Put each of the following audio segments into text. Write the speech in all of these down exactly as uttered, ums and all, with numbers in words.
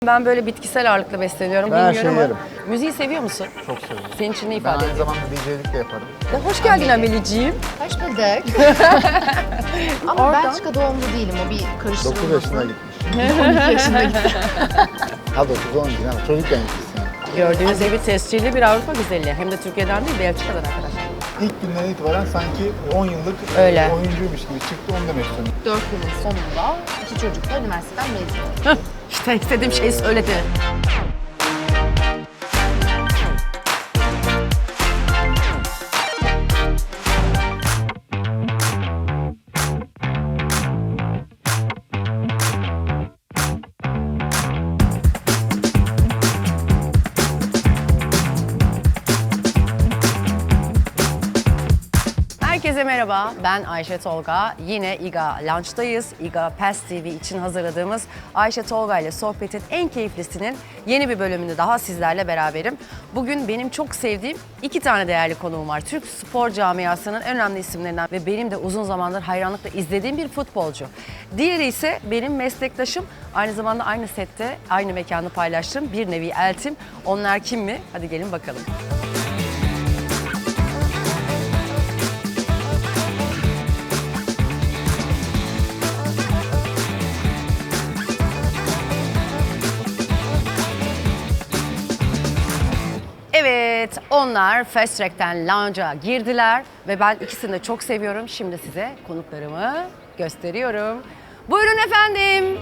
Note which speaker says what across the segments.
Speaker 1: Ben böyle bitkisel ağırlıklı besleniyorum,
Speaker 2: Ben her
Speaker 1: bilmiyorum
Speaker 2: şeyi
Speaker 1: ama.
Speaker 2: yerim.
Speaker 1: Müziği seviyor musun?
Speaker 2: Çok seviyorum.
Speaker 1: Senin için ne
Speaker 2: Ben
Speaker 1: ifade
Speaker 2: aynı
Speaker 1: ediyor?
Speaker 2: zamanda D J'lik de yaparım.
Speaker 1: Ya hoş geldin Ameliciğim.
Speaker 3: Hoş bulduk. Ama
Speaker 1: Oradan-
Speaker 3: Belçika doğumlu değilim, o bir karıştırılmasın.
Speaker 2: dokuz yaşına gitmiş.
Speaker 3: on iki yaşına gitti.
Speaker 2: Ha dokuz on değil ama çocukken gitmişsin. Yani.
Speaker 1: Gördüğünüz gibi tescilli bir Avrupa güzeli. Hem de Türkiye'den değil, Belçika'dan arkadaşlar.
Speaker 2: İlk günden itibaren sanki on yıllık
Speaker 1: Öyle.
Speaker 2: oyuncuymuş gibi çıktı, onu demek istiyorum.
Speaker 3: Dört yılın sonunda iki çocukla üniversiteden mezun oldum.
Speaker 1: İşte istediğim şeyi söyledi. Herkese merhaba, ben Ayşe Tolga. Yine İGA Lunch'tayız. İGA Pass T V için hazırladığımız Ayşe Tolga ile sohbetin en keyiflisinin yeni bir bölümünde daha sizlerle beraberim. Bugün benim çok sevdiğim iki tane değerli konuğum var. Türk spor camiasının en önemli isimlerinden ve benim de uzun zamandır hayranlıkla izlediğim bir futbolcu. Diğeri ise benim meslektaşım, aynı zamanda aynı sette, aynı mekanı paylaştığım bir nevi eltim. Onlar kim mi? Hadi gelin bakalım. Evet, onlar Fast Track'ten Lounge'a girdiler ve ben ikisini de çok seviyorum. Şimdi size konuklarımı gösteriyorum. Buyurun efendim.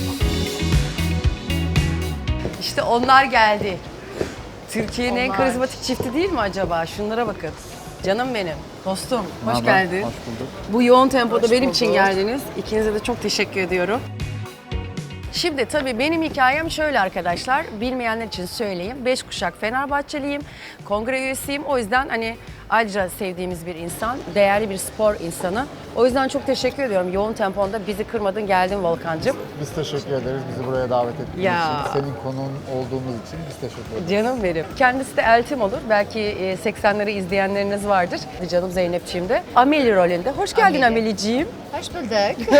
Speaker 1: İşte onlar geldi. Türkiye'nin en
Speaker 3: Onlar.
Speaker 1: karizmatik çifti değil mi acaba? Şunlara bakın. Canım benim, dostum, hoş
Speaker 2: Merhaba,
Speaker 1: geldin.
Speaker 2: hoş bulduk.
Speaker 1: Bu yoğun tempoda
Speaker 3: Hoş
Speaker 1: benim için
Speaker 3: bulduk.
Speaker 1: geldiniz. İkinize de çok teşekkür ediyorum. Şimdi tabii benim hikayem şöyle arkadaşlar, bilmeyenler için söyleyeyim. Beş kuşak Fenerbahçeliyim, kongre üyesiyim. O yüzden hani ayrıca sevdiğimiz bir insan, değerli bir spor insanı. O yüzden çok teşekkür ediyorum. Yoğun temponda bizi kırmadın, geldin Volkan'cığım.
Speaker 2: Biz teşekkür ederiz bizi buraya davet ettiğiniz
Speaker 1: Ya.
Speaker 2: için. Senin konuğun olduğumuz için biz teşekkür ederiz.
Speaker 1: Canım benim. Kendisi de eltim olur. Belki e, seksenleri izleyenleriniz vardır. Canım Zeynep'ciğim de. Ameli rolünde. Hoş geldin
Speaker 3: Ameli.
Speaker 1: Ameliciğim.
Speaker 3: Hoş bulduk.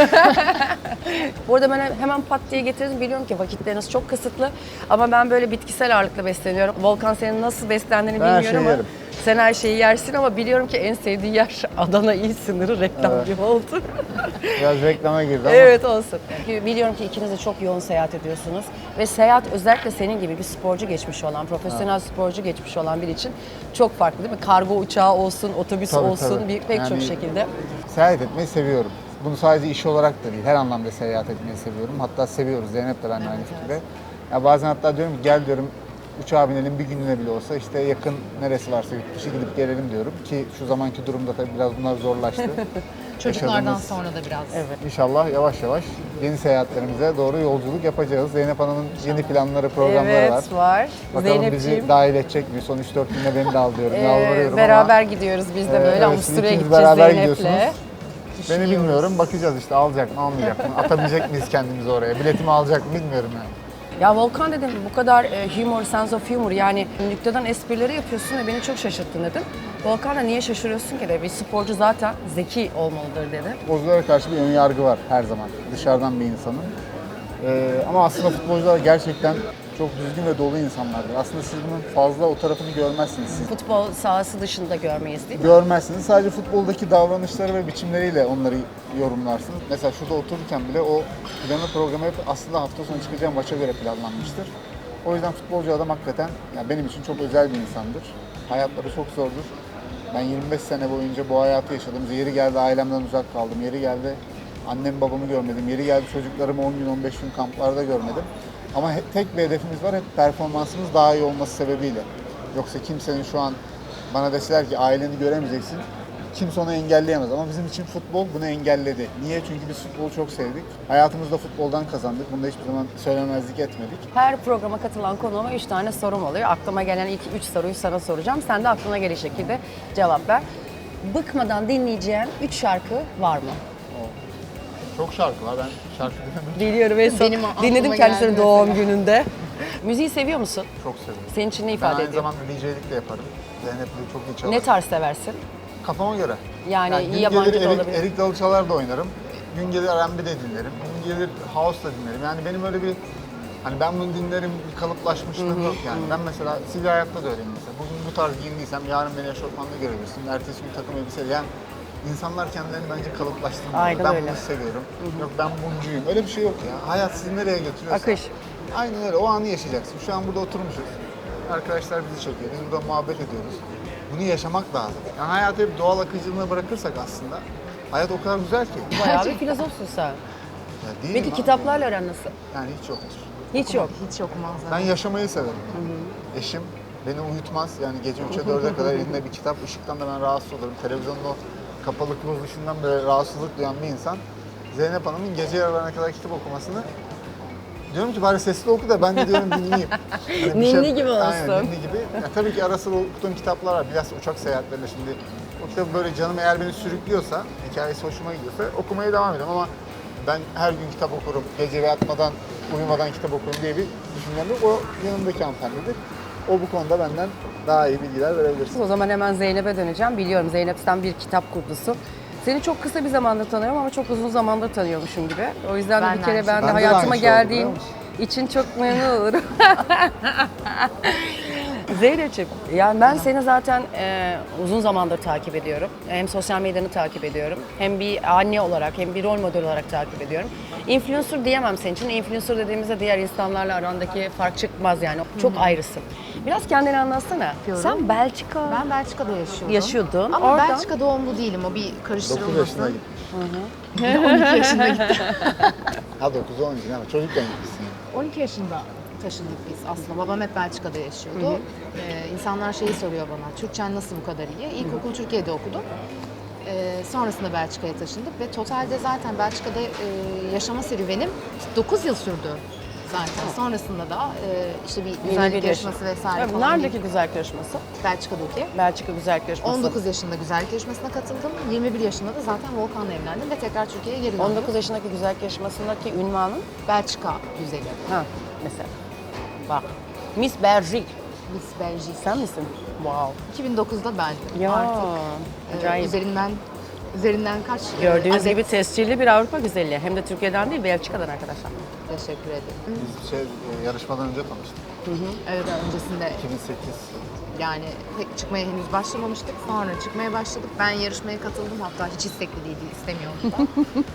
Speaker 1: Bu arada ben hemen pat diye getirdim. Biliyorum ki vakitleriniz çok kısıtlı. Ama ben böyle bitkisel ağırlıklı besleniyorum. Volkan senin nasıl beslendiğini
Speaker 2: Ben her
Speaker 1: bilmiyorum
Speaker 2: şeyi
Speaker 1: ama
Speaker 2: yerim.
Speaker 1: sen her şeyi yersin ama biliyorum ki en sevdiğin yer Adana İl sınırı reklam
Speaker 2: Evet.
Speaker 1: gibi oldu.
Speaker 2: Biraz reklama girdi ama
Speaker 1: Evet olsun. Çünkü biliyorum ki ikiniz de çok yoğun seyahat ediyorsunuz. Ve seyahat özellikle senin gibi bir sporcu geçmiş olan, profesyonel sporcu geçmiş olan biri için çok farklı değil mi? Kargo uçağı olsun, otobüs
Speaker 2: Tabii,
Speaker 1: olsun,
Speaker 2: tabii.
Speaker 1: bir pek çok
Speaker 2: Yani-
Speaker 1: şekilde.
Speaker 2: seyahat etmeyi seviyorum. Bunu sadece iş olarak da değil, her anlamda seyahat etmeyi seviyorum. Hatta seviyoruz, Zeynep de benimle aynı fikirde. Ya bazen hatta diyorum ki gel diyorum uçağa binelim bir gününe bile olsa işte yakın neresi varsa yurt dışı gidip gelelim diyorum. Ki şu zamanki durumda tabii biraz bunlar zorlaştı.
Speaker 3: Çocuklardan
Speaker 2: Yaşadığımız-
Speaker 3: sonra da biraz.
Speaker 1: Evet.
Speaker 2: İnşallah yavaş yavaş yeni seyahatlerimize doğru yolculuk yapacağız. Zeynep Hanım'ın yeni planları, programları
Speaker 1: Evet
Speaker 2: var.
Speaker 1: var.
Speaker 2: Bakalım
Speaker 1: Zeynepciğim.
Speaker 2: bizi dahil edecek mi? Son üç dört günde beni de al diyorum.
Speaker 1: Ee,
Speaker 2: Yalvarıyorum
Speaker 1: beraber
Speaker 2: ama
Speaker 1: gidiyoruz biz de
Speaker 2: Ee,
Speaker 1: böyle
Speaker 2: evet,
Speaker 1: Avusturya'ya
Speaker 2: ikiniz
Speaker 1: gideceğiz
Speaker 2: beraber
Speaker 1: Zeynep'le.
Speaker 2: gidiyorsunuz. beni bilmiyorum. Bakacağız işte alacak mı almayacak mı? Atabilecek miyiz kendimizi oraya? Biletimi alacak mı bilmiyorum yani.
Speaker 1: Ya Volkan dedim bu kadar e, humor, sense of humor yani nüktedan esprileri yapıyorsun ve beni çok şaşırttın dedim. Volkan da niye şaşırıyorsun ki dedi. Bir sporcu zaten zeki olmalıdır dedi.
Speaker 2: Futbolculara karşı bir ön yargı var her zaman. Dışarıdan bir insanın. Ee, ama aslında futbolcular gerçekten çok düzgün ve dolu insanlardır. Aslında siz bunun fazla o tarafını görmezsiniz. Siz
Speaker 1: Futbol sahası dışında görmeyiz değil mi?
Speaker 2: görmezsiniz. Sadece futboldaki davranışları ve biçimleriyle onları yorumlarsınız. Mesela şurada otururken bile o planı programı hep aslında hafta sonu çıkacağım maça göre planlanmıştır. O yüzden futbolcu adam hakikaten yani benim için çok özel bir insandır. Hayatları çok zordur. Ben yirmi beş sene boyunca bu hayatı yaşadım. Yeri geldi ailemden uzak kaldım. Yeri geldi annem babamı görmedim. Yeri geldi çocuklarımı on gün on beş gün kamplarda görmedim. Ama he- tek bir hedefimiz var. Hep performansımız daha iyi olması sebebiyle. Yoksa kimsenin şu an bana deseler ki aileni göremeyeceksin. Kimse onu engelleyemez ama bizim için futbol bunu engelledi. Niye? Çünkü biz futbolu çok sevdik. Hayatımızda futboldan kazandık. Bunu da hiçbir zaman söylemezlik etmedik.
Speaker 1: Her programa katılan konuğuma üç tane sorum oluyor. Aklıma gelen ilk üç soruyu sana soracağım. Sen de aklına gelecek şekilde cevap ver. Bıkmadan dinleyeceğin üç şarkı var mı?
Speaker 2: Çok şarkı var. Ben şarkı dinlemiyorum.
Speaker 1: Biliyorum en son
Speaker 3: Benim aklıma
Speaker 1: dinledim
Speaker 3: geldi
Speaker 1: kendisini doğum
Speaker 3: mesela.
Speaker 1: gününde. Müziği seviyor musun?
Speaker 2: Çok seviyorum.
Speaker 1: Senin için ne
Speaker 2: Ben
Speaker 1: ifade
Speaker 2: aynı
Speaker 1: ediyor?
Speaker 2: zamanda D J'lik de yaparım. Zeynep'le çok iyi çalarım.
Speaker 1: Ne tarz seversin?
Speaker 2: Kafama göre.
Speaker 1: Yani
Speaker 2: gün
Speaker 1: yabancı
Speaker 2: gelir
Speaker 1: da
Speaker 2: Erik,
Speaker 1: olabilir.
Speaker 2: Erik Dalı çalar da oynarım. Gün gelir R and B de dinlerim. Gün gelir House da dinlerim. Yani benim öyle bir Hani ben bunu dinlerim, bir kalıplaşmışlığım yok yani. Ben mesela sivil hayatta da öyleyim mesela. Bugün bu tarz giyindiysem yarın beni eşofmanla görebilirsin. Ertesi gün takım elbiseyle. Yani insanlar kendilerini bence kalıplaştırmıyor.
Speaker 1: Aynen
Speaker 2: Ben
Speaker 1: öyle.
Speaker 2: bunu seviyorum. Yok ben buncuyum. Öyle bir şey yok ya. Hayat sizi nereye götürüyorsa.
Speaker 1: Akış.
Speaker 2: Aynen öyle. O anı yaşayacaksın. Şu an burada oturmuşuz. Arkadaşlar bizi çekiyor. Biz burada muhabbet ediyoruz. Bunu yaşamak lazım. Yani hayatı hep doğal akıcılığına bırakırsak aslında hayat o kadar güzel ki.
Speaker 1: Bayağı bir filozofsun sen.
Speaker 2: Ya değil
Speaker 1: Peki
Speaker 2: mi?
Speaker 1: kitaplarla aran nasıl?
Speaker 2: Yani hiç yoktur.
Speaker 1: Hiç yok.
Speaker 3: Hiç okumaz.
Speaker 2: Ben yaşamayı severim. Eşim beni uyutmaz. Yani gece üçe dörde kadar elinde bir kitap. Işıktan da ben rahatsız olurum. Televizyonun o kapalı kılavuz ışığından böyle rahatsızlık duyan bir insan. Zeynep Hanım'ın gece yarılarına kadar kitap okumasını diyorum ki bari sesli oku da ben de diyorum dinleyeyim. Hani bir
Speaker 1: Ninni gibi
Speaker 2: Aynen,
Speaker 1: olsun.
Speaker 2: ninni gibi. Ya, tabii ki ara sıra okuduğum kitaplar var. Biraz uçak seyahatlerinde şimdi. O kitabı böyle canım eğer beni sürüklüyorsa, hikayesi hoşuma gidiyorsa okumaya devam ediyorum ama ben her gün kitap okurum, gece yatmadan, uyumadan kitap okurum diye bir düşüncem yok. O yanımdaki hanımefendidir. O bu konuda benden daha iyi bilgiler verebilirsin.
Speaker 1: O zaman hemen Zeynep'e döneceğim. Biliyorum Zeynep sen bir kitap kurdusu. Seni çok kısa bir zamandır tanıyorum ama çok uzun zamandır tanıyormuşum gibi. O yüzden de
Speaker 3: Ben
Speaker 1: bir
Speaker 3: de
Speaker 1: kere
Speaker 3: aynı
Speaker 1: ben de
Speaker 2: şey. Bende de
Speaker 1: hayatıma
Speaker 2: aynı şey oldu,
Speaker 1: geldiğin
Speaker 2: biliyor musun?
Speaker 1: için çok memnun olurum. Zeynep'ciğim, yani ben seni zaten e, uzun zamandır takip ediyorum. Hem sosyal medyanı takip ediyorum, hem bir anne olarak, hem bir rol model olarak takip ediyorum. Influencer diyemem senin için. Influencer dediğimizde diğer insanlarla arandaki fark çıkmaz yani. Çok ayrısın. Biraz kendini anlatsana.
Speaker 3: Diyorum.
Speaker 1: Sen Belçika
Speaker 3: Ben Belçika'da yaşıyordum.
Speaker 1: yaşıyordun.
Speaker 3: Ama
Speaker 1: Oradan-
Speaker 3: Belçika doğumlu değilim. O bir
Speaker 2: dokuz yaşına
Speaker 3: karıştırılmasın.
Speaker 2: gitmiş.
Speaker 3: on iki yaşında gittim.
Speaker 2: Ha dokuz on iki ama çocukken gitmişsin.
Speaker 3: on iki yaşında taşındık biz aslında. Babam hep Belçika'da yaşıyordu. Ee, insanlar şeyi soruyor bana, Türkçen nasıl bu kadar iyi? İlkokulu Türkiye'de okudum. Ee, sonrasında Belçika'ya taşındık ve totalde zaten Belçika'da e, yaşama serüvenim dokuz yıl sürdü zaten. Sonrasında da e, işte bir
Speaker 1: Yeni
Speaker 3: güzellik
Speaker 1: bir
Speaker 3: yarışması
Speaker 1: yaş-
Speaker 3: vesaire
Speaker 1: Evet,
Speaker 3: falan.
Speaker 1: Neredeki güzellik yarışması?
Speaker 3: Belçika'daki.
Speaker 1: Belçika güzellik yarışması.
Speaker 3: on dokuz yaşında güzellik yarışmasına katıldım. yirmi bir yaşında da zaten Volkan'la evlendim ve tekrar Türkiye'ye geri döndüm.
Speaker 1: on dokuz yaşındaki güzellik yarışmasındaki ünvanın
Speaker 3: Belçika güzeli.
Speaker 1: ha mesela. Bak. Miss Belgique.
Speaker 3: Miss Belgique.
Speaker 1: Sen misin? Wow.
Speaker 3: iki bin dokuzda ben
Speaker 1: Ya.
Speaker 3: artık e,
Speaker 1: Acayip.
Speaker 3: üzerinden üzerinden kaç e,
Speaker 1: Gördüğünüz
Speaker 3: adet-
Speaker 1: gibi tescilli bir Avrupa güzelliği. Hem de Türkiye'den değil, Belçika'dan arkadaşlar.
Speaker 3: Teşekkür ederim.
Speaker 2: Biz şey, e, yarışmadan önce tanıştık.
Speaker 3: Evet öncesinde
Speaker 2: iki bin sekiz.
Speaker 3: yani pek çıkmaya henüz başlamamıştık. Sonra çıkmaya başladık. Ben yarışmaya katıldım. Hatta hiç istekli değildi, istemiyordum da.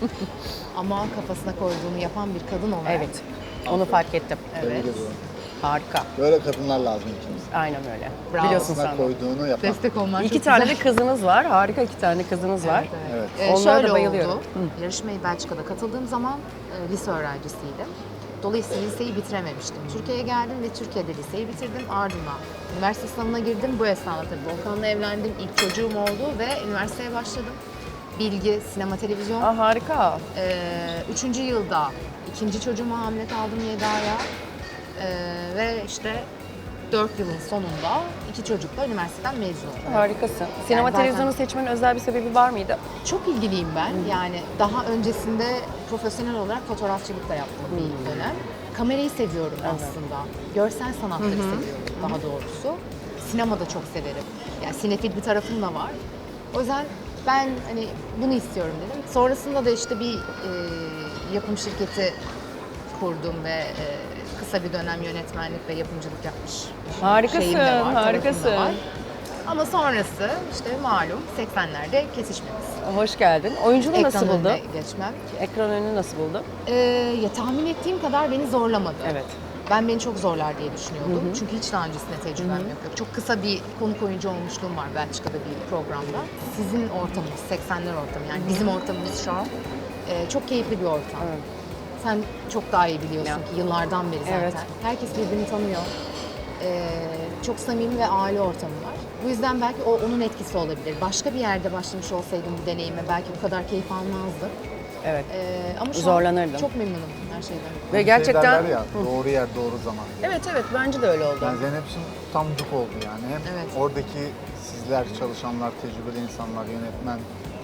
Speaker 3: Ama kafasına koyduğunu yapan bir kadın olarak.
Speaker 1: Evet. Onu fark ettim.
Speaker 2: Tebrik
Speaker 3: Evet.
Speaker 2: ediyorum.
Speaker 1: Harika.
Speaker 2: Böyle kadınlar lazım ikimiz.
Speaker 1: Aynen öyle.
Speaker 3: Bravo.
Speaker 1: Biliyorsun
Speaker 2: Aslında
Speaker 1: sen de.
Speaker 2: koyduğunu yapan.
Speaker 3: Destek olman
Speaker 1: İki
Speaker 3: çok
Speaker 1: tane
Speaker 3: güzel.
Speaker 1: de kızınız var. Harika iki tane kızınız var.
Speaker 2: Evet.
Speaker 3: Ee,
Speaker 1: Onlara da
Speaker 3: şöyle
Speaker 1: bayılıyorum.
Speaker 3: oldu. Yarışmayı Belçika'da katıldığım zaman e, lise öğrencisiydim. Dolayısıyla liseyi bitirememiştim. Türkiye'ye geldim ve Türkiye'de liseyi bitirdim. Ardından üniversite sınavına girdim. Bu esnada tabii Volkan'la evlendim. İlk çocuğum oldu ve üniversiteye başladım. Bilgi, sinema, televizyon.
Speaker 1: Aa, harika.
Speaker 3: Ee, üçüncü yılda ikinci çocuğuma hamile kaldım yedi aya. Ee, ve işte dört yılın sonunda iki çocukla üniversiteden mezun oldum.
Speaker 1: Harikasın. Sinema
Speaker 3: zaten-
Speaker 1: televizyonu seçmenin özel bir sebebi var mıydı?
Speaker 3: Çok ilgiliyim ben. Yani daha öncesinde profesyonel olarak fotoğrafçılık da yaptım bir dönem. Kamerayı seviyorum aslında. Görsel sanatları seviyorum daha doğrusu. Sinema da çok severim. Yani sinefil bir tarafım da var. O yüzden ben hani bunu istiyorum dedim. Sonrasında da işte bir e, yapım şirketi kurdum ve e, kısa bir dönem yönetmenlik ve yapımcılık yapmış
Speaker 1: Harikasın,
Speaker 3: şeyim de var, tarafım da
Speaker 1: harikasın.
Speaker 3: var. Ama sonrası işte malum seksenlerde kesişmemiz.
Speaker 1: Hoş geldin. Oyunculuğu nasıl
Speaker 3: Ekran
Speaker 1: buldun?
Speaker 3: önüne geçmem.
Speaker 1: Ekran önünü nasıl buldun?
Speaker 3: Ee, ya tahmin ettiğim kadar beni zorlamadı.
Speaker 1: Evet.
Speaker 3: Ben beni çok zorlar diye düşünüyordum. Çünkü hiç daha öncesinde tecrübem yok. yok. Çok kısa bir konuk oyuncu olmuşluğum var Belçika'da bir programda. Sizin ortamınız, seksenler ortamı yani bizim ortamımız şu an e, çok keyifli bir ortam.
Speaker 1: Evet.
Speaker 3: Sen çok daha iyi biliyorsun
Speaker 1: Ya.
Speaker 3: ki yıllardan beri zaten.
Speaker 1: Evet.
Speaker 3: Herkes birbirini tanıyor. Ee, çok samimi ve aile ortamı var. Bu yüzden belki o onun etkisi olabilir. Başka bir yerde başlamış olsaydım bu deneyime belki bu kadar keyif almazdım.
Speaker 1: Evet.
Speaker 3: Ee, ama şu
Speaker 1: Zorlanırdım.
Speaker 3: an çok memnunum her şeyden.
Speaker 1: Ve
Speaker 2: Şey
Speaker 1: gerçekten...
Speaker 2: derler ya, doğru yer doğru zaman.
Speaker 1: Evet evet bence de öyle oldu.
Speaker 2: Yani Zeynep için tam cuk oldu yani. Hem
Speaker 3: Evet.
Speaker 2: oradaki sizler, çalışanlar, tecrübeli insanlar, yönetmen.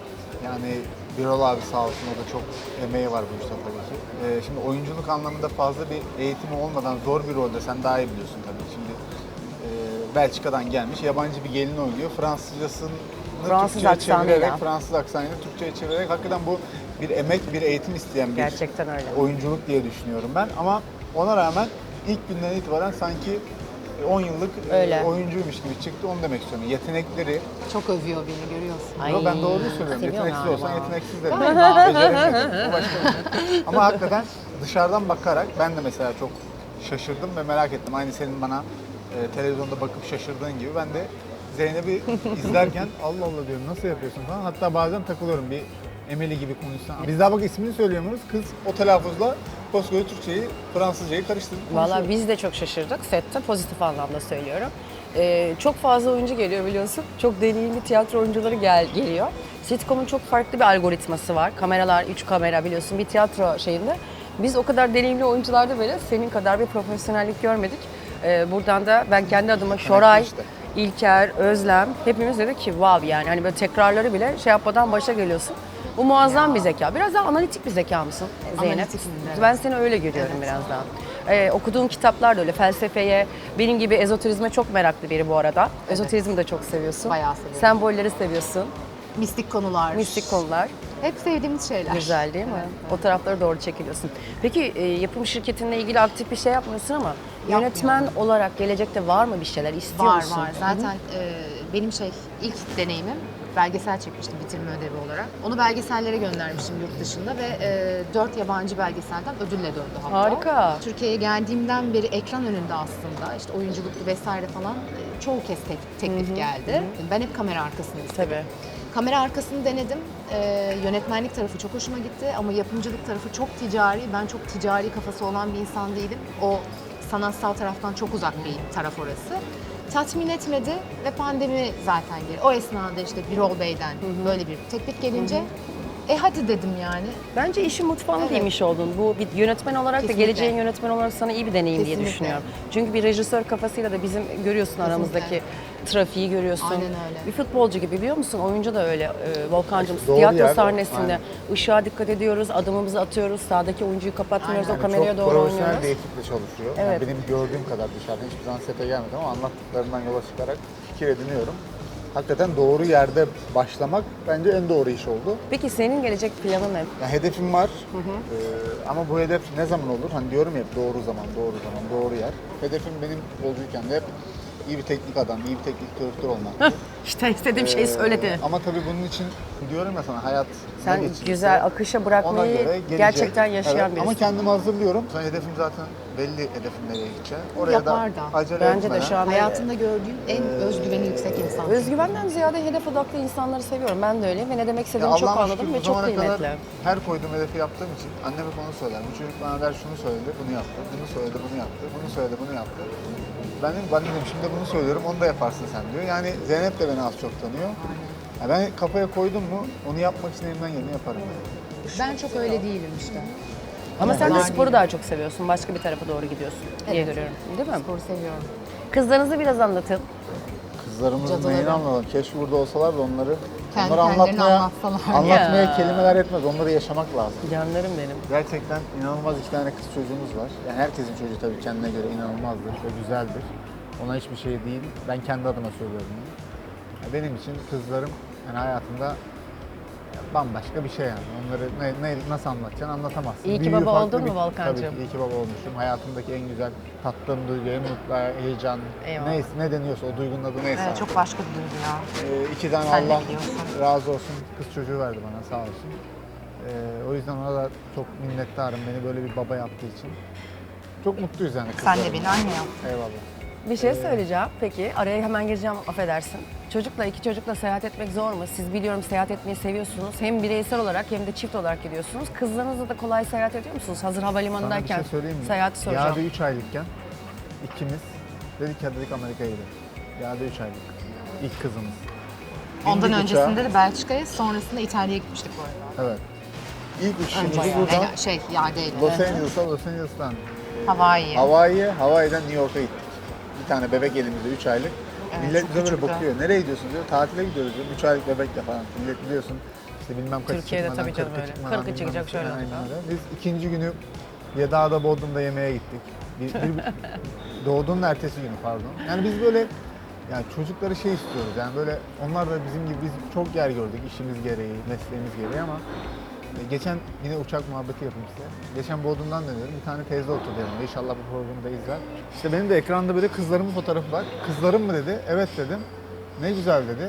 Speaker 2: Yani Birol abi sağ olsun, o da çok emeği var bu işte tabii ki. Ee, şimdi oyunculuk anlamında fazla bir eğitimi olmadan zor bir rolde, sen daha iyi biliyorsun tabii. Şimdi e, Belçika'dan gelmiş yabancı bir gelin oynuyor. Fransızcasını
Speaker 1: Fransız
Speaker 2: Türkçe'ye
Speaker 1: aksanıyla.
Speaker 2: çevirerek, Fransız aksanıyla Türkçe'ye çevirerek hakikaten bu bir emek, bir eğitim isteyen bir
Speaker 1: Gerçekten öyle.
Speaker 2: oyunculuk diye düşünüyorum ben. Ama Ona rağmen ilk günden itibaren sanki on yıllık e,
Speaker 1: Öyle.
Speaker 2: oyuncuymuş gibi çıktı. Onu demek istiyorum. Yetenekleri,
Speaker 3: Çok övüyor beni, görüyorsun.
Speaker 1: Ay,
Speaker 2: yo, ben doğruyu söylüyorum.
Speaker 1: seviyor
Speaker 2: Yeteneksiz
Speaker 1: galiba.
Speaker 2: olsan yeteneksiz derim.
Speaker 3: Galiba.
Speaker 2: Beceremedim. O başka bir şey. Ama hakikaten dışarıdan bakarak ben de mesela çok şaşırdım ve merak ettim. Aynı senin bana e, televizyonda bakıp şaşırdığın gibi ben de Zeynep'i izlerken Allah Allah diyorum nasıl yapıyorsun falan. Hatta bazen takılıyorum bir Emeli gibi konuşsan. Biz daha bak ismini söyleyemiyoruz. Kız o telaffuzla koskoca Türkçeyi, Fransızcayı karıştırıp konuşuyor.
Speaker 1: Valla biz de çok şaşırdık sette, pozitif anlamda söylüyorum. Ee, çok fazla oyuncu geliyor biliyorsun. Çok deneyimli tiyatro oyuncuları gel geliyor. Sitcom'un çok farklı bir algoritması var. Kameralar, üç kamera biliyorsun bir tiyatro şeyinde. Biz o kadar deneyimli oyuncularda böyle senin kadar bir profesyonellik görmedik. Ee, buradan da ben kendi adıma Şoray,
Speaker 2: işte.
Speaker 1: İlker, Özlem hepimiz dedik ki wow yani hani böyle tekrarları bile şey yapmadan başa geliyorsun. Bu muazzam bir zeka. Biraz daha analitik bir zeka mısın Zeynep?
Speaker 3: Analitiksin, evet.
Speaker 1: Ben seni öyle görüyorum
Speaker 3: Evet.
Speaker 1: biraz daha. Ee, okuduğum kitaplar da öyle felsefeye, benim gibi ezoterizme çok meraklı biri bu arada. Ezoterizmi de çok seviyorsun.
Speaker 3: Bayağı seviyorum.
Speaker 1: Sembolleri seviyorsun.
Speaker 3: Mistik konular.
Speaker 1: Mistik konular.
Speaker 3: Hep sevdiğimiz şeyler.
Speaker 1: Güzel değil mi?
Speaker 3: Evet,
Speaker 1: O taraflara doğru çekiliyorsun. Peki e, yapım şirketinle ilgili aktif bir şey yapmıyorsun ama yönetmen olarak gelecekte var mı bir şeyler istiyor
Speaker 3: Var
Speaker 1: musun?
Speaker 3: var. Zaten e, benim şey ilk deneyimim belgesel çekmiştim bitirme ödevi olarak. Onu belgesellere göndermiştim yurt dışında ve e, dört yabancı belgeselden ödülle döndü hatta.
Speaker 1: Harika.
Speaker 3: Türkiye'ye geldiğimden beri ekran önünde aslında işte oyunculuklu vesaire falan e, çoğu kez tek- teklif geldi. Ben hep kamera arkasını istedim.
Speaker 1: Tabii.
Speaker 3: Kamera arkasını denedim. Ee, yönetmenlik tarafı çok hoşuma gitti ama yapımcılık tarafı çok ticari. Ben çok ticari kafası olan bir insan değilim. O sanatsal taraftan çok uzak bir taraf orası. Tatmin etmedi ve pandemi zaten geldi. O esnada işte Birol Bey'den böyle bir teklif gelince e hadi dedim yani.
Speaker 1: Bence işin mutfağına
Speaker 3: Evet.
Speaker 1: girmiş oldun. Bu bir yönetmen olarak
Speaker 3: Kesinlikle.
Speaker 1: da geleceğin yönetmen olarak sana iyi bir deneyim diye
Speaker 3: Kesinlikle.
Speaker 1: düşünüyorum. Çünkü bir rejisör kafasıyla da bizim görüyorsun aramızdaki trafiği görüyorsun.
Speaker 3: Aynen öyle.
Speaker 1: Bir futbolcu gibi biliyor musun? Oyuncu da öyle e, Volkan'cığım.
Speaker 2: Doğru
Speaker 1: Tiyatro
Speaker 2: yer,
Speaker 1: sahnesinde
Speaker 2: aynen.
Speaker 1: ışığa dikkat ediyoruz, adımımızı atıyoruz, sağdaki oyuncuyu kapatmıyoruz,
Speaker 3: Aynen.
Speaker 1: o kameraya
Speaker 2: çok
Speaker 1: doğru
Speaker 2: profesyonel
Speaker 1: oynuyoruz.
Speaker 2: bir ekiple çalışıyor. Yani
Speaker 1: Evet.
Speaker 2: benim gördüğüm kadar dışarıdan hiçbir zaman sete gelmedim ama anlattıklarından yola çıkarak fikir ediniyorum. Hakikaten doğru yerde başlamak bence en doğru iş oldu.
Speaker 1: Peki senin gelecek planın ne?
Speaker 2: Ya hedefim var Ee, ama bu hedef ne zaman olur? Hani diyorum ya hep doğru zaman, doğru zaman, doğru yer. Hedefim benim futbolcuyken de hep iyi bir teknik adam, iyi bir teknik direktör olmak.
Speaker 1: İşte istediğim şeyi
Speaker 2: Ee,
Speaker 1: söyledi.
Speaker 2: Ama tabii bunun için diyorum ya sana hayat
Speaker 1: Sen
Speaker 2: ne geçirirse
Speaker 1: güzel akışa
Speaker 2: ona
Speaker 1: bırakmayı
Speaker 2: göre gelecek.
Speaker 1: gerçekten yaşayan
Speaker 2: Evet,
Speaker 1: birisin.
Speaker 2: ama kendimi hazırlıyorum. Sonra hedefim zaten belli hedefim nereye gideceğim. Oraya
Speaker 3: Yapar
Speaker 2: da
Speaker 3: da.
Speaker 2: acele
Speaker 1: Bence de
Speaker 2: etmeden.
Speaker 1: şu an
Speaker 3: Hayatında gördüğüm en özgüveni yüksek insan.
Speaker 1: özgüvenden ziyade hedef odaklı insanları seviyorum. Ben de öyleyim ve ne demek
Speaker 2: Ya
Speaker 1: istediğini çok
Speaker 2: Allah'ıma
Speaker 1: anladım
Speaker 2: şükür
Speaker 1: ve
Speaker 2: bu
Speaker 1: çok
Speaker 2: zamana
Speaker 1: kıymetli.
Speaker 2: kadar her koyduğum hedefi yaptığım için anneme konu söyler. Bu çocuk bana der şunu söyledi, bunu yaptı. Bunu söyledi, bunu yaptı. Bunu söyledi, bunu yaptı. Ben dedim, ben dedim şimdi bunu söylüyorum, onu da yaparsın sen diyor. Yani Zeynep de beni az çok tanıyor. Ya ben kafaya koydum mu onu yapmak için elimden geleni yaparım.
Speaker 3: Ben çok öyle değilim işte.
Speaker 1: Ama sen de
Speaker 3: Var
Speaker 1: sporu
Speaker 3: değil.
Speaker 1: daha çok seviyorsun. Başka bir tarafa doğru gidiyorsun diye
Speaker 3: Evet.
Speaker 1: görüyorum. Değil mi?
Speaker 3: Sporu seviyorum.
Speaker 1: Kızlarınızı biraz anlatın.
Speaker 2: Kızlarımızın
Speaker 3: Cadıları.
Speaker 2: neyini anlatalım? Keşke burada olsalar da onları,
Speaker 3: Kendi
Speaker 2: onları
Speaker 3: kendilerini
Speaker 2: anlatmaya,
Speaker 3: anlatsalar.
Speaker 2: anlatmaya
Speaker 1: Ya.
Speaker 2: kelimeler yetmez. Onları yaşamak lazım.
Speaker 1: Canlarım benim.
Speaker 2: Gerçekten inanılmaz iki tane kız çocuğumuz var. Yani herkesin çocuğu tabii kendine göre inanılmazdır ve güzeldir. Ona hiçbir şey değil. Ben kendi adıma söylüyorum bunu. Ya benim için kızlarım yani hayatımda bambaşka bir şey yani. Onları ne, ne, nasıl anlatacaksın anlatamazsın.
Speaker 1: İyi ki
Speaker 2: Büyüğü
Speaker 1: baba
Speaker 2: farklı
Speaker 1: oldun mu
Speaker 2: bir-
Speaker 1: Volkancığım?
Speaker 2: Tabii ki iyi ki baba olmuşum. Hayatımdaki en güzel tattığım duygu, en mutlu, heyecan,
Speaker 1: Eyvallah.
Speaker 2: neyse ne deniyorsa o duygunun adı neyse.
Speaker 3: Evet, çok başka bir duygu ya.
Speaker 2: Ee, iki tane
Speaker 3: Sen de
Speaker 2: Allah
Speaker 3: biliyorsun.
Speaker 2: razı olsun kız çocuğu verdi bana sağ olsun. Ee, o yüzden ona da çok minnettarım beni böyle bir baba yaptığı için. Çok mutluyuz yani
Speaker 3: Sen
Speaker 2: kızlarımla.
Speaker 3: de beni anne yaptın.
Speaker 2: Eyvallah.
Speaker 1: Bir şey söyleyeceğim. Peki araya hemen gireceğim affedersin. Çocukla iki çocukla seyahat etmek zor mu? Siz biliyorum seyahat etmeyi seviyorsunuz. Hem bireysel olarak hem de çift olarak gidiyorsunuz. Kızlarınızla da kolay seyahat ediyor musunuz? Hazır
Speaker 2: Sana bir
Speaker 1: havalimanındayken
Speaker 2: şey söyleyeyim mi?
Speaker 1: seyahati soracağım.
Speaker 2: Yağda üç aylıkken ikimiz dedik hadi dedik Amerika'ya gidelim. Yağda üç aylık. İlk kızımız.
Speaker 3: Ondan
Speaker 2: Bindik
Speaker 3: öncesinde
Speaker 2: uçağa.
Speaker 3: de Belçika'ya, sonrasında İtalya'ya gitmiştik bu arada.
Speaker 2: Evet. İlk uçuşumuzu
Speaker 3: Önce
Speaker 2: buradan
Speaker 3: yani, şey, ya değil.
Speaker 2: Los Angeles'a, Los Angeles'tan
Speaker 3: Hawaii.
Speaker 2: Hawaii'ye, Hawaii'den New York'a gittik. Bir tane bebek elimizde üç aylık.
Speaker 3: Evet,
Speaker 2: Millet
Speaker 3: çok
Speaker 2: bize böyle
Speaker 3: küçüktü.
Speaker 2: bakıyor. Nereye gidiyorsun diyor. Tatile gidiyoruz diyor. üç aylık bebekle falan. Millet biliyorsun işte bilmem kaç
Speaker 1: Türkiye'de
Speaker 2: çıkmadan,
Speaker 1: tabii canım
Speaker 2: kırkı
Speaker 1: öyle.
Speaker 2: çıkmadan,
Speaker 1: kırkı
Speaker 2: bilmem
Speaker 1: çıkacak
Speaker 2: ne.
Speaker 1: şöyle
Speaker 2: Aynen
Speaker 1: olacak.
Speaker 2: öyle. Biz ikinci günü Yedağ'da Bodrum'da yemeğe gittik. Bir, bir, doğduğunun ertesi günü pardon. Yani biz böyle yani çocukları şey istiyoruz yani böyle onlar da bizim gibi biz çok yer gördük işimiz gereği, mesleğimiz gereği ama E, Geçen yine uçak muhabbeti yapayım size. Geçen Bodrum'dan dönüyorum. Bir tane teyze oturdu yanımda. İnşallah bu programı da izler. İşte benim de ekranda böyle kızlarımın fotoğrafı var. Kızlarım mı dedi. Evet dedim. Ne güzel dedi.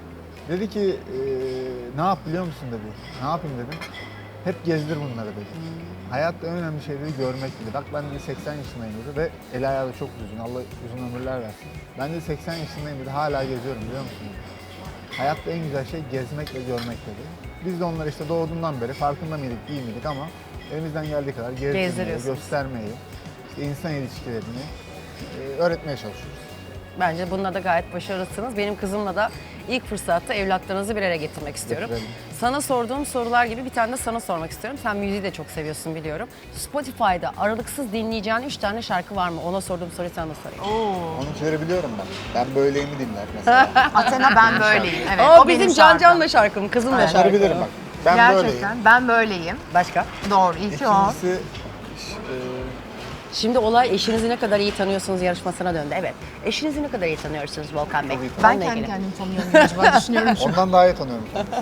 Speaker 2: Dedi ki e, ne yap biliyor musun dedi. Ne yapayım dedim. Hep gezdir bunları dedi. Hayatta en önemli şey dedi görmek dedi. Bak ben de seksen yaşındayım dedi ve el ayağı da çok düzgün. Allah uzun ömürler versin. Ben de seksen yaşındayım dedi. Hala geziyorum biliyor musun dedi. Hayatta en güzel şey gezmek ve görmek dedi. Biz de onları işte doğduğundan beri farkında mıydık değil miydik ama elimizden geldiği kadar gezdirmeyi,
Speaker 1: Gezdiriyorsunuz.
Speaker 2: göstermeyi, işte insan ilişkilerini e, öğretmeye çalışıyoruz.
Speaker 1: Bence bununla da gayet başarılısınız. Benim kızımla da ilk fırsatta evlatlarınızı bir araya getirmek istiyorum.
Speaker 2: Getirelim.
Speaker 1: Sana sorduğum sorular gibi bir tane de sana sormak istiyorum. Sen müziği de çok seviyorsun biliyorum. Spotify'da aralıksız dinleyeceğin üç tane şarkı var mı? Ona sorduğum soruyu sana da sorayım.
Speaker 2: Onunkileri biliyorum ben. Ben böyleyimi dinler mesela.
Speaker 3: Athena ben böyleyim. Evet,
Speaker 1: o,
Speaker 3: o
Speaker 1: bizim
Speaker 3: benim
Speaker 1: Can
Speaker 3: şarkım.
Speaker 1: Can'la şarkım, kızımla
Speaker 2: Onları
Speaker 1: şarkım.
Speaker 2: bilirim bak. Ben
Speaker 3: Gerçekten
Speaker 2: böyleyim.
Speaker 3: ben böyleyim.
Speaker 1: Başka?
Speaker 3: Doğru, iyi ki o.
Speaker 2: İkincisi e,
Speaker 1: Şimdi olay eşinizi ne kadar iyi tanıyorsunuz yarışmasına döndü. Evet. Eşinizi ne kadar iyi tanıyorsunuz Volkan Bey?
Speaker 2: Çok iyi
Speaker 3: Ben
Speaker 1: Onunla
Speaker 3: kendi
Speaker 1: ilgili.
Speaker 3: kendimi tanıyorum acaba düşünüyorum şu
Speaker 2: ondan daha iyi tanıyorum kendisini.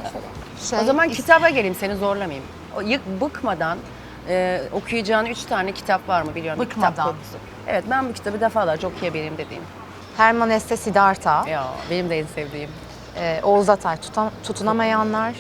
Speaker 3: şey.
Speaker 1: O zaman kitaba geleyim, seni zorlamayayım. O yık bıkmadan e, okuyacağın üç tane kitap var mı biliyorum. bir
Speaker 3: Bıkmadan.
Speaker 1: Kitap konusu. Evet, ben bu kitabı defalarca okuyabileyim dediğim.
Speaker 3: Herman Hesse Siddhartha,
Speaker 1: Ya benim de en sevdiğim.
Speaker 3: e, Oğuz Atay Tutan- Tutunamayanlar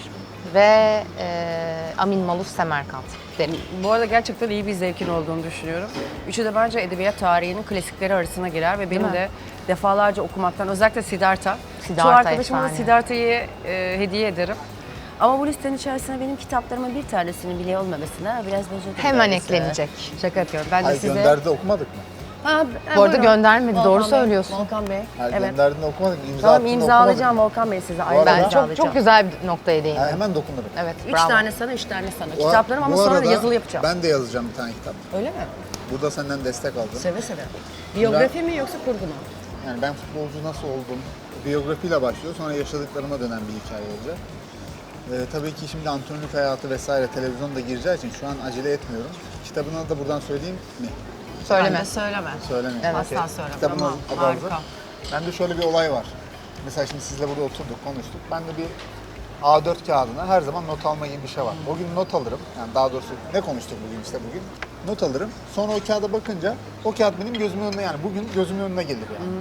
Speaker 3: ve e, Amin Maluf Semerkant derim.
Speaker 1: Bu arada gerçekten iyi bir zevkin olduğunu düşünüyorum. Üçü de bence edebiyat tarihinin klasikleri arasına girer ve benim
Speaker 3: mi?
Speaker 1: de defalarca okumaktan, özellikle Siddhartha.
Speaker 3: Siddhartha
Speaker 1: Çoğu arkadaşıma da
Speaker 3: efsane.
Speaker 1: Siddhartha'yı e, hediye ederim. Ama bu listenin içerisine benim kitaplarımın bir tanesinin bile olmamasına biraz bozuldu.
Speaker 3: Hemen
Speaker 1: doğrusu.
Speaker 3: eklenecek.
Speaker 1: Şaka yapıyorum. Ben de
Speaker 2: Hayır
Speaker 1: size...
Speaker 2: gönderdi de okumadık mı?
Speaker 1: Ha, ha,
Speaker 3: Bu arada
Speaker 1: buyurun.
Speaker 3: göndermedi,
Speaker 1: Volkan
Speaker 3: doğru
Speaker 1: Bey,
Speaker 3: söylüyorsun.
Speaker 1: Volkan Bey.
Speaker 2: Hayır
Speaker 1: Evet.
Speaker 2: gönderdiğinde okumadık mı? İmza
Speaker 1: Tamam,
Speaker 2: attığında
Speaker 1: imzalayacağım
Speaker 2: okumadık
Speaker 1: Volkan Bey size.
Speaker 2: Bu
Speaker 1: Ayrıca
Speaker 2: arada-
Speaker 3: Ben çok
Speaker 1: imzalayacağım.
Speaker 3: çok güzel bir noktaya
Speaker 2: mı?
Speaker 3: değindim.
Speaker 2: Ha, hemen dokunurum.
Speaker 3: Evet,
Speaker 1: Üç
Speaker 3: bravo.
Speaker 1: tane sana, üç tane sana.
Speaker 2: Bu-
Speaker 1: Kitaplarım ama
Speaker 2: bu
Speaker 1: sonra
Speaker 2: arada
Speaker 1: yazılı yapacağım.
Speaker 2: Ben de yazacağım bir tane kitap.
Speaker 1: Öyle mi?
Speaker 2: Burada senden destek aldım.
Speaker 1: Seve seve. Biyografi mi yoksa kurgu mu?
Speaker 2: Yani ben futbolcu nasıl oldum, biyografiyle başlıyor, sonra yaşadıklarıma dönen bir hikaye olacak. Ee, tabii ki şimdi antrenörlük hayatı vesaire televizyonda gireceği için şu an acele etmiyorum. Kitabın adı da buradan söyleyeyim mi?
Speaker 3: Söyleme.
Speaker 1: Bence söyleme.
Speaker 2: Söylemeyeyim.
Speaker 1: Evet.
Speaker 2: Okey.
Speaker 1: Asla söyleme.
Speaker 2: Kitabın
Speaker 1: Tamam,
Speaker 2: adı hazır.
Speaker 1: harika.
Speaker 2: Bende şöyle bir olay var. Mesela şimdi sizle burada oturduk, konuştuk. Ben de bir A dört kağıdına her zaman not alma gibi bir şey var. O gün not alırım. Yani daha doğrusu ne konuştuk bugün işte bugün. Not alırım. Sonra o kağıda bakınca o kağıt benim gözümün önüne yani bugün gözümün önüne gelir yani.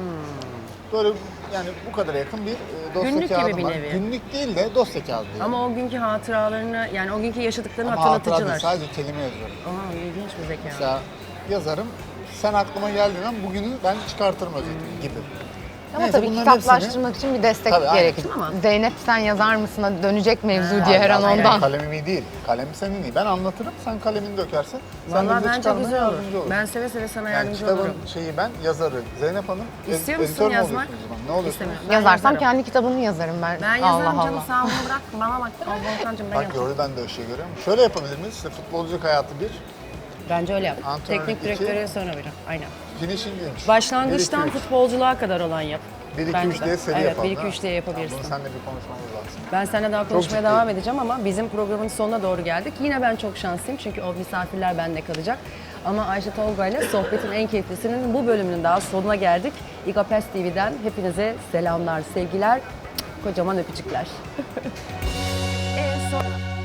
Speaker 2: Böyle yani bu kadar yakın bir e, dosya
Speaker 1: Günlük gibi
Speaker 2: kağıdım
Speaker 1: bir
Speaker 2: var.
Speaker 1: nevi.
Speaker 2: Günlük değil de dosya kağıdı. Yani.
Speaker 1: Ama o günkü hatıralarını, yani o günkü yaşadıklarını
Speaker 2: Ama hatıra
Speaker 1: hatırlatıcılar.
Speaker 2: değil, sadece kelime yazıyorum.
Speaker 1: Aa, ilginç bir zeka.
Speaker 2: Mesela yazarım. Sen aklıma geldiğin an bugünü ben çıkartırım özetini gibi.
Speaker 3: Ama
Speaker 2: Neyse,
Speaker 3: tabii
Speaker 2: bunların
Speaker 3: kitaplaştırmak için bir destek
Speaker 2: Tabii, aynen.
Speaker 3: gerekir.
Speaker 1: Ama-
Speaker 3: Zeynep sen yazar mısına dönecek mevzu
Speaker 1: Ha,
Speaker 3: diye her an
Speaker 2: Hayır,
Speaker 3: ondan.
Speaker 2: Kalemim iyi değil. Kalem senin iyi. Ben anlatırım, sen kalemini dökersin. Sen de
Speaker 1: Vallahi
Speaker 2: bize
Speaker 1: bence
Speaker 2: çıkarmaya
Speaker 1: güzel olur.
Speaker 2: yardımcı olursun.
Speaker 1: Ben seve seve sana
Speaker 2: Yani
Speaker 1: yardımcı
Speaker 2: kitabın
Speaker 1: olurum.
Speaker 2: şeyi ben, yazarı Zeynep Hanım.
Speaker 1: İstiyor
Speaker 2: ed-
Speaker 1: musun
Speaker 2: editör mü
Speaker 1: yazmak?
Speaker 2: oluyorsunuz o zaman? Ne oluyorsunuz?
Speaker 1: İstemiyorum. Ben
Speaker 3: Yazarsam
Speaker 1: yazarım.
Speaker 3: kendi kitabımı yazarım ben.
Speaker 1: Ben yazarım
Speaker 3: Allah
Speaker 1: canım,
Speaker 3: Allah.
Speaker 1: sağ ol bırak. Bana bak. Al Volkan'cığım ben
Speaker 2: Bak
Speaker 1: yapacağım.
Speaker 2: gördü ben de o şeyi görüyorum. Şöyle yapabilir miyiz? İşte futbolculuk hayatı bir,
Speaker 1: Bence öyle yap.
Speaker 2: Antrenörlük
Speaker 1: Teknik
Speaker 2: iki.
Speaker 1: direktöre sonra verin. Aynen.
Speaker 2: finishing üç.
Speaker 1: Başlangıçtan
Speaker 2: bir, iki, üç.
Speaker 1: futbolculuğa kadar olan yap.
Speaker 2: bir iki
Speaker 1: Bence
Speaker 2: üç
Speaker 1: de.
Speaker 2: diye seri
Speaker 1: Evet,
Speaker 2: yapalım.
Speaker 1: bir iki
Speaker 2: değil
Speaker 1: üç
Speaker 2: mi?
Speaker 1: diye
Speaker 2: Tamam,
Speaker 1: yapabilirsin.
Speaker 2: bunu seninle bir konuşmamız lazım.
Speaker 1: Ben seninle daha konuşmaya
Speaker 2: ciddiyim.
Speaker 1: devam edeceğim ama bizim programın sonuna doğru geldik. Yine ben çok şanslıyım çünkü o misafirler bende kalacak. Ama Ayşe Tolga ile sohbetin en keyiflisinin bu bölümünün daha sonuna geldik. İGA T V'den hepinize selamlar, sevgiler, kocaman öpücükler. en son...